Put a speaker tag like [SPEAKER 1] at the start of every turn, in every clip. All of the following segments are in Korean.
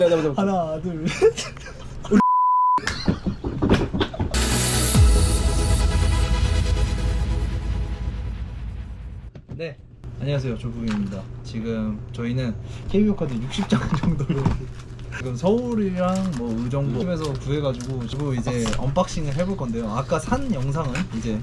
[SPEAKER 1] 하나 둘 셋. 네, 안녕하세요, 조국입니다. 지금 저희는 KBO 카드 60장 정도를 지금 서울이랑 뭐 의정부에서 구해가지고 지금 이제 언박싱을 해볼 건데요. 아까 산 영상은 이제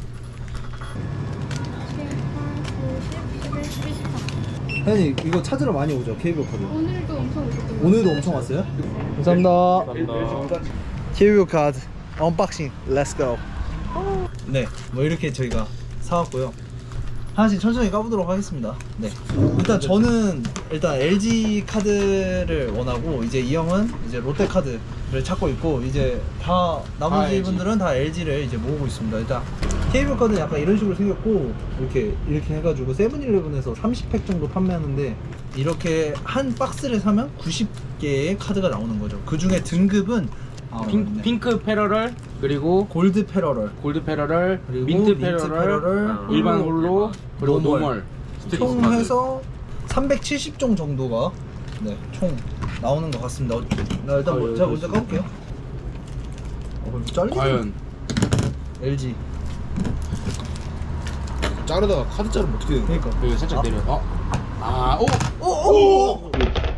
[SPEAKER 1] 혜연이 이거 찾으러 많이 오죠, KBO 카드.
[SPEAKER 2] 오늘도 엄청 오셨어요.
[SPEAKER 1] 오늘도 엄청 왔어요? 감사합니다. KBO 카드 언박싱 렛츠 고. 네, 뭐 이렇게 저희가 사왔고요. 하나씩 천천히 까보도록 하겠습니다. 네, 일단 저는 LG 카드를 원하고, 이제 이 형은 이제 롯데 카드를 찾고 있고, 이제 다 나머지
[SPEAKER 3] LG.
[SPEAKER 1] 분들은 다 LG를 이제 모으고 있습니다. 일단 KBO 카드는 약간 이런 식으로 생겼고, 이렇게 해가지고 세븐일레븐에서 30팩 정도 판매하는데, 이렇게 한 박스를 사면 90개의 카드가 나오는 거죠. 그 중에 등급은 맞네.
[SPEAKER 3] 핑크 패러럴, 그리고
[SPEAKER 1] 골드 패러럴,
[SPEAKER 3] 골드 패러럴,
[SPEAKER 1] 그리고
[SPEAKER 3] 민트
[SPEAKER 1] 민트
[SPEAKER 3] 패러럴,
[SPEAKER 1] 패러럴,
[SPEAKER 3] 일반 홀로, 그리고
[SPEAKER 1] 노멀.
[SPEAKER 3] 노멀.
[SPEAKER 1] 총 해서 370종 정도가 총 나오는 것 같습니다. 나 일단 제가 먼저 까볼게요. 잘리네.
[SPEAKER 3] 과연
[SPEAKER 1] LG.
[SPEAKER 4] 자르다가 카드 자르면 어떻게 되는 거야?
[SPEAKER 1] 그러니까.
[SPEAKER 3] 여기 살짝 내려.
[SPEAKER 1] 오!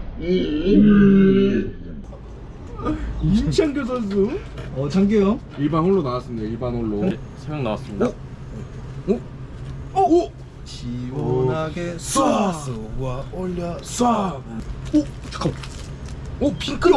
[SPEAKER 3] 임창규 선수
[SPEAKER 1] 창규 형.
[SPEAKER 3] 일반 홀로 나왔습니다. 일반 홀로 3명 나왔습니다.
[SPEAKER 1] 시원하게
[SPEAKER 4] 쏴!
[SPEAKER 1] 쏘아 올려.
[SPEAKER 4] 쏴! 오! 잠깐만.
[SPEAKER 3] 오 핑크다.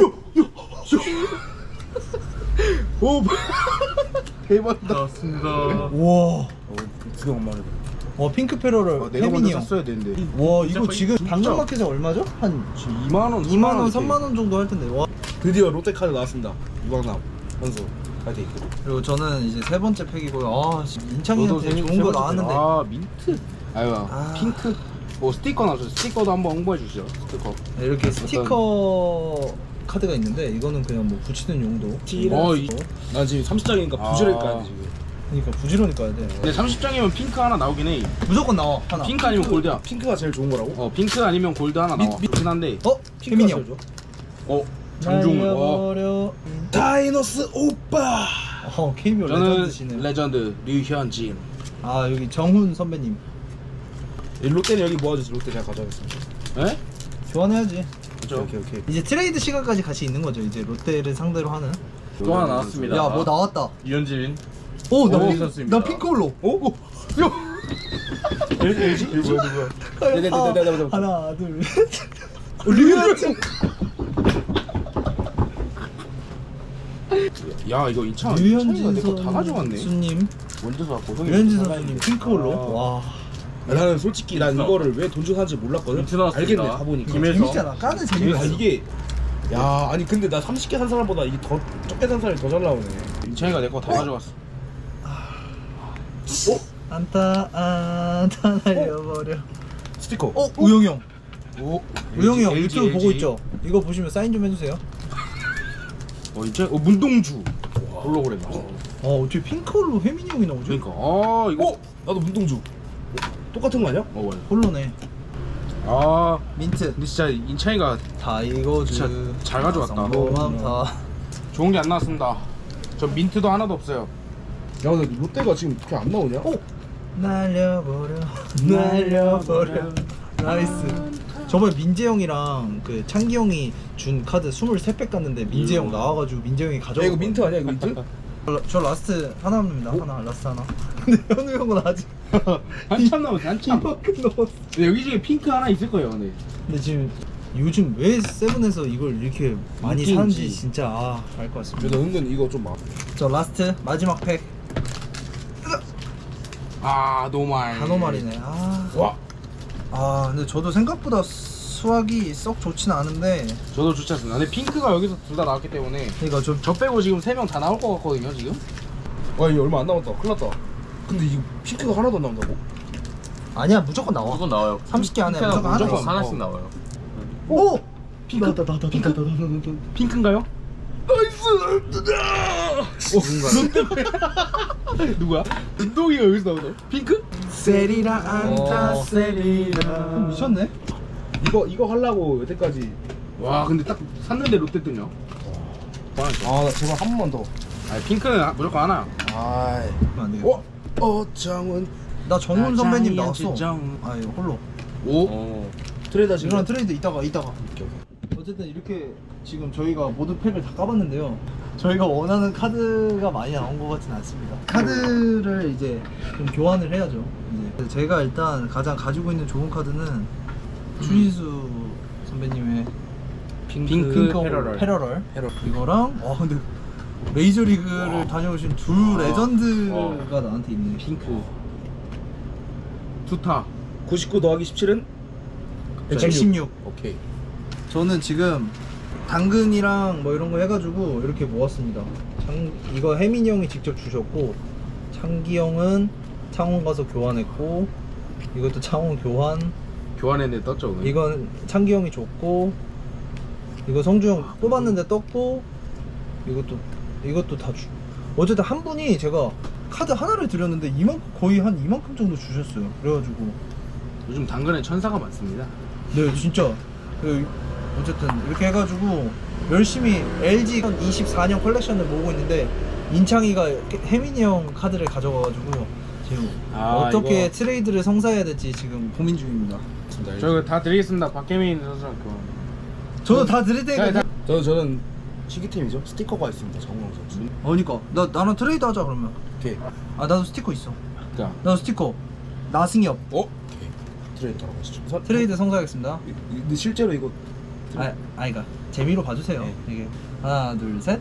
[SPEAKER 4] 오! 대박이다.
[SPEAKER 3] 나왔습니다.
[SPEAKER 1] 와.
[SPEAKER 4] 두개 엄마를.
[SPEAKER 1] 핑크 패러럴
[SPEAKER 4] 내가
[SPEAKER 1] 혜민이
[SPEAKER 4] 먼저
[SPEAKER 1] 형.
[SPEAKER 4] 샀어야 되는데.
[SPEAKER 1] 와, 이거 지금
[SPEAKER 3] 진짜.
[SPEAKER 1] 당근마켓에 얼마죠? 한
[SPEAKER 3] 2만 원,
[SPEAKER 1] 2만 원, 3만 원 정도 할 텐데. 와.
[SPEAKER 4] 드디어 롯데 카드 나왔습니다. 유광남 선수 파이팅.
[SPEAKER 1] 그리고 저는 이제 세 번째 팩이고요.
[SPEAKER 3] 너도
[SPEAKER 1] 인창이한테 좋은 거 나왔는데.
[SPEAKER 3] 민트. 아유, 핑크. 스티커 나왔어요. 스티커도 한번 홍보해 주시죠. 스티커.
[SPEAKER 1] 네, 이렇게 스티커 카드가 있는데, 이거는 그냥 뭐 붙이는 용도.
[SPEAKER 4] 난 지금 30장이니까 부지런히 까야 돼 지금.
[SPEAKER 1] 그러니까 부지런히 까야 돼.
[SPEAKER 3] 근데 30장이면 핑크 하나 나오긴 해.
[SPEAKER 1] 무조건 나와 하나.
[SPEAKER 3] 핑크 아니면 골드야.
[SPEAKER 4] 핑크가 제일 좋은 거라고?
[SPEAKER 3] 핑크 아니면 골드 하나 나와. 그렇긴 한데.
[SPEAKER 1] 혜민이 형.
[SPEAKER 3] 장종훈.
[SPEAKER 1] 날려버려.
[SPEAKER 4] 다이너스 오빠.
[SPEAKER 1] KBO
[SPEAKER 3] 저는
[SPEAKER 1] 레전드시네.
[SPEAKER 3] 레전드 류현진.
[SPEAKER 1] 여기 정훈 선배님.
[SPEAKER 4] 롯데는 여기 모아주세요. 롯데 제가 가져가겠습니다.
[SPEAKER 3] 에?
[SPEAKER 1] 교환해야지.
[SPEAKER 3] 그렇죠.
[SPEAKER 4] 오케이.
[SPEAKER 1] 이제 트레이드 시간까지 같이 있는 거죠. 이제 롯데를 상대로 하는.
[SPEAKER 3] 또 하나 나왔습니다.
[SPEAKER 1] 야, 뭐 나왔다.
[SPEAKER 3] 유현진.
[SPEAKER 1] 나
[SPEAKER 3] 선수입니다.
[SPEAKER 1] 핑크홀로.
[SPEAKER 4] LG? 누구야? 네네네.
[SPEAKER 1] 하나, 둘, 셋. 류현진.
[SPEAKER 3] 야 이거 이창
[SPEAKER 1] 류현진
[SPEAKER 3] 내거 다 가져갔네.
[SPEAKER 1] 선수님.
[SPEAKER 4] 먼저 사고 형이.
[SPEAKER 1] 류현진 선수님 핑크홀로. 와.
[SPEAKER 4] 나는 솔직히 난 이거를 왜 돈 주고 사는지 몰랐거든.
[SPEAKER 3] 민트 나왔습니다.
[SPEAKER 4] 알겠네 가보니까.
[SPEAKER 1] 재밌잖아. 까는 재미가 있어.
[SPEAKER 4] 이게 야 아니 근데 나 30개 산 사람보다 이게 더 적게 산 사람이 더 잘 나오네.
[SPEAKER 3] 이창이가 내 거 다 가져갔어.
[SPEAKER 1] 안타 날려버려.
[SPEAKER 4] 스티커.
[SPEAKER 1] 우영이 형.
[SPEAKER 3] 오.
[SPEAKER 1] 우영이 형
[SPEAKER 3] LG,
[SPEAKER 1] 유튜브 보고
[SPEAKER 3] LG.
[SPEAKER 1] 있죠? 이거 보시면 사인 좀 해주세요.
[SPEAKER 3] 이창 문동주. 홀로그램.
[SPEAKER 1] 어떻게 핑크홀로 혜민이 형이 나오죠?
[SPEAKER 3] 그러니까 이거.
[SPEAKER 4] 나도 문동주. 똑같은 거 아니야?
[SPEAKER 3] 맞아요.
[SPEAKER 1] 홀로네. 민트.
[SPEAKER 3] 근데 진짜 인창이가
[SPEAKER 1] 다이거즈.
[SPEAKER 3] 진짜 잘 가져갔다.
[SPEAKER 1] 성공함 다.
[SPEAKER 3] 좋은 게 안 나왔습니다. 저 민트도 하나도 없어요.
[SPEAKER 4] 야 근데 롯데가 지금 이렇게 안 나오냐?
[SPEAKER 1] 날려버려. 나이스. 저번에 민재 형이랑 그 창기 형이 준 카드 23팩 갔는데 민재 형 나와가지고 민재 형이 가져가.
[SPEAKER 4] 야 이거 민트 아니야 이거 민트?
[SPEAKER 1] 저 라스트 하나입니다. 라스트 하나. 근데 현우 형은 아직
[SPEAKER 3] 한참 남았어. 한참.
[SPEAKER 1] 이만큼 넣었어.
[SPEAKER 3] 근데 여기 중에 핑크 하나 있을 거예요. 근데
[SPEAKER 1] 지금 요즘 왜 세븐에서 이걸 이렇게 많이
[SPEAKER 3] 인기인지.
[SPEAKER 1] 사는지 진짜 알 것 같습니다.
[SPEAKER 4] 그래도 은근 이거 좀 막.
[SPEAKER 1] 저 라스트 마지막 팩
[SPEAKER 3] 노말.
[SPEAKER 1] 단호말이네. 근데 저도 생각보다 수확이 썩 좋진 않은데.
[SPEAKER 3] 저도 좋지 않습니다. 근데 핑크가 여기서 둘 다 나왔기 때문에
[SPEAKER 1] 그러니까 좀
[SPEAKER 3] 저 빼고 지금 3명 다 나올 것 같거든요 지금.
[SPEAKER 4] 와 이거 얼마 안 남았다. 큰일 났다. 근데 이거 핑크가 하나도 안 나온다고?
[SPEAKER 1] 아니야, 무조건 나와.
[SPEAKER 5] 무조건 나와요.
[SPEAKER 1] 30개 안에
[SPEAKER 5] 핑크가
[SPEAKER 1] 무조건 하나
[SPEAKER 5] 무조건
[SPEAKER 1] 있어.
[SPEAKER 5] 하나씩 나와요.
[SPEAKER 1] 오!
[SPEAKER 3] 핑크? 핑크인가요? 누구야? 운동이가 여기서 나오나? 핑크?
[SPEAKER 1] 세리라 안타 세리라. 미쳤네.
[SPEAKER 4] 이거 하려고 여태까지
[SPEAKER 3] 와 근데 딱 샀는데 롯데 뜨냐?
[SPEAKER 4] 아 제발 한 번만 더.
[SPEAKER 3] 아니 핑크는 무조건 하나.
[SPEAKER 4] 아이.
[SPEAKER 1] 안 되겠다.
[SPEAKER 4] 정은.
[SPEAKER 1] 나 정훈 선배님
[SPEAKER 3] 아,
[SPEAKER 1] 나왔어.
[SPEAKER 3] 정.
[SPEAKER 1] 아 이거 홀로.
[SPEAKER 3] 오.
[SPEAKER 4] 트레이드 하시는
[SPEAKER 1] 이거랑
[SPEAKER 4] 거?
[SPEAKER 1] 트레이드 이따가. 어쨌든 이렇게 지금 저희가 모두 팩을 다 까봤는데요. 저희가 원하는 카드가 많이 나온 것 같진 않습니다. 카드를 이제 좀 교환을 해야죠. 이제 제가 일단 가장 가지고 있는 좋은 카드는 추신수 선배님의
[SPEAKER 3] 핑크 패러럴.
[SPEAKER 1] 패러럴. 이거랑 근데 메이저리그를 다녀오신 두 레전드가 나한테 있네.
[SPEAKER 3] 핑크. 투타.
[SPEAKER 4] 99 더하기 17은
[SPEAKER 1] 116.
[SPEAKER 4] 오케이.
[SPEAKER 1] 저는 지금 당근이랑 뭐 이런 거 해가지고 이렇게 모았습니다. 이거 혜민이 형이 직접 주셨고, 창기 형은 창원 가서 교환했고, 이것도 창원 교환.
[SPEAKER 3] 교환했는데 떴죠 오늘.
[SPEAKER 1] 이건 창기 형이 줬고, 이거 성주 형 뽑았는데 떴고, 이것도 다 주. 어쨌든 한 분이 제가 카드 하나를 드렸는데 거의 한 이만큼 정도 주셨어요. 그래가지고
[SPEAKER 3] 요즘 당근에 천사가 많습니다.
[SPEAKER 1] 네 진짜 어쨌든 이렇게 해가지고 열심히 LG 24년 컬렉션을 모으고 있는데, 인창이가 혜민이 형 카드를 가져가가지고 지금 어떻게
[SPEAKER 3] 이거.
[SPEAKER 1] 트레이드를 성사해야 될지 지금 고민 중입니다.
[SPEAKER 3] 저 다 드리겠습니다. 박혜민 선수랑 교환.
[SPEAKER 1] 저도 다 드릴 테니까.
[SPEAKER 4] 저는 시기템이죠. 스티커가 있습니다. 정우영 선수.
[SPEAKER 1] 그러니까 나랑 트레이드 하자 그러면.
[SPEAKER 4] 오케이.
[SPEAKER 1] 나도 스티커 있어.
[SPEAKER 3] 자.
[SPEAKER 1] 나도 스티커. 나승엽.
[SPEAKER 4] 오케이. 트레이드 하러 가시죠.
[SPEAKER 1] 트레이드 성사하겠습니다.
[SPEAKER 4] 근데 실제로 이거
[SPEAKER 1] 그러니까 재미로 봐주세요.
[SPEAKER 4] 네.
[SPEAKER 1] 이게 하나 둘 셋.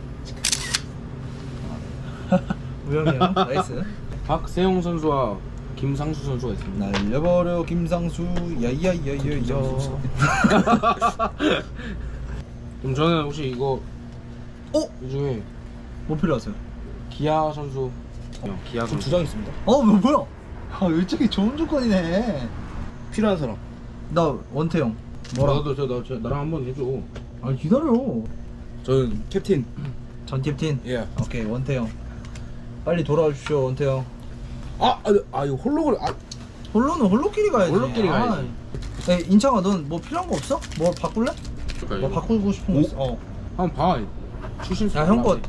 [SPEAKER 1] 우영이 형 나이스.
[SPEAKER 3] 박세용 선수와 김상수 선수가 있습니다.
[SPEAKER 1] 날려버려 김상수 야야야야야.
[SPEAKER 3] 그럼 저는 혹시 이거 이 중에
[SPEAKER 1] 뭐 필요하세요?
[SPEAKER 3] 기아 선수. 기아
[SPEAKER 4] 저
[SPEAKER 3] 선수.
[SPEAKER 4] 2장 있습니다.
[SPEAKER 1] 뭐야? 이쪽이 좋은 조건이네.
[SPEAKER 4] 필요한 사람.
[SPEAKER 1] 나 원태형. 뭐라?
[SPEAKER 3] 나도 나랑 한번 해줘.
[SPEAKER 1] 기다려.
[SPEAKER 4] 저는 캡틴.
[SPEAKER 1] 전 캡틴.
[SPEAKER 4] 예.
[SPEAKER 1] 오케이 원태형. 빨리 돌아와 주십시오 원태형.
[SPEAKER 4] 이거 홀로그램.
[SPEAKER 1] 홀로는 홀로끼리 가야지.
[SPEAKER 3] 홀로끼리 가야지.
[SPEAKER 1] 인창아 넌 뭐 필요한 거 없어? 뭐 바꿀래? 뭐 바꾸고 싶은 거 있어?
[SPEAKER 3] 한번 봐. 출신.
[SPEAKER 1] 야 형 거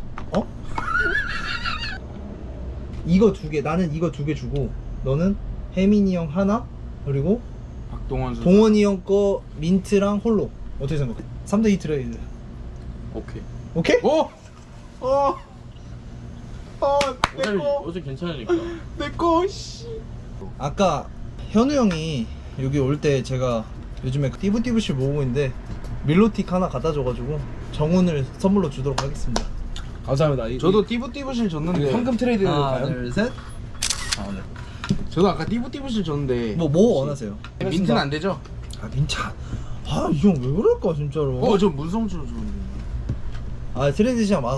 [SPEAKER 1] 이거 두 개. 나는 이거 두 개 주고 너는 혜민이 형 하나 그리고
[SPEAKER 3] 박동원 선수.
[SPEAKER 1] 동원이 형 거 민트랑 홀로. 어떻게 생각해? 3대2 트레이드.
[SPEAKER 3] 오케이.
[SPEAKER 1] 오케이?
[SPEAKER 3] 오.
[SPEAKER 1] 내꺼
[SPEAKER 3] 괜찮으니까.
[SPEAKER 1] 내꺼 씨. 아까 현우 형이 여기 올 때 제가 요즘에 띠부띠부실 모으고 있는데 밀로틱 하나 갖다 줘가지고 정훈을 선물로 주도록 하겠습니다.
[SPEAKER 4] 감사합니다.
[SPEAKER 3] 저도 띠부띠부실 줬는데.
[SPEAKER 4] 황금 트레이드
[SPEAKER 1] 하나
[SPEAKER 4] 가요?
[SPEAKER 1] 둘셋.
[SPEAKER 4] 네.
[SPEAKER 3] 저도 아까 띠부띠부실 줬는데.
[SPEAKER 1] 뭐 원하세요?
[SPEAKER 3] 민트는 안 되죠?
[SPEAKER 1] 민차. 이 형 왜 그럴까 진짜로.
[SPEAKER 3] 저 문성주로 줬는데.
[SPEAKER 1] 트레이드 시장 많아.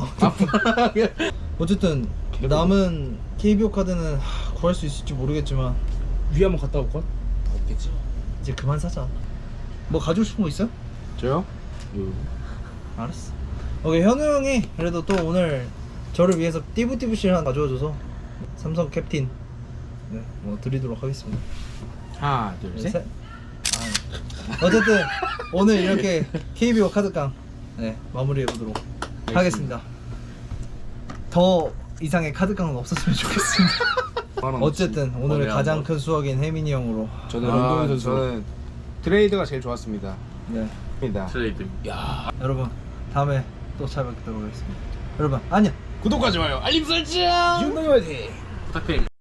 [SPEAKER 1] 어쨌든 남은 KBO 카드는 구할 수 있을지 모르겠지만
[SPEAKER 4] 위 한번 갔다 올까? 없겠지.
[SPEAKER 1] 이제 그만 사자. 뭐 가지고 싶은 거 있어요?
[SPEAKER 3] 저요?
[SPEAKER 1] 알았어. 오케이 현우 형이 그래도 또 오늘 저를 위해서 띠부띠부실 하나 가져와줘서 삼성 캡틴 뭐 드리도록 하겠습니다.
[SPEAKER 3] 하나, 둘, 셋.
[SPEAKER 1] 어쨌든 오늘 이렇게 KBO 카드깡 마무리해 보도록 하겠습니다. 더 이상의 카드깡은 없었으면 좋겠습니다. 어쨌든 오늘 가장 큰 수확인 혜민이 형으로.
[SPEAKER 4] 저는 런던 선수.
[SPEAKER 3] 저는 트레이드가 제일 좋았습니다.
[SPEAKER 1] 네.
[SPEAKER 3] 트레이드.
[SPEAKER 1] 여러분 다음에 또 찾아뵙도록 하겠습니다. 여러분 안녕.
[SPEAKER 3] 구독과 좋아요, 알림 설정
[SPEAKER 4] 윤동이 화이팅!
[SPEAKER 3] 부탁드립니다.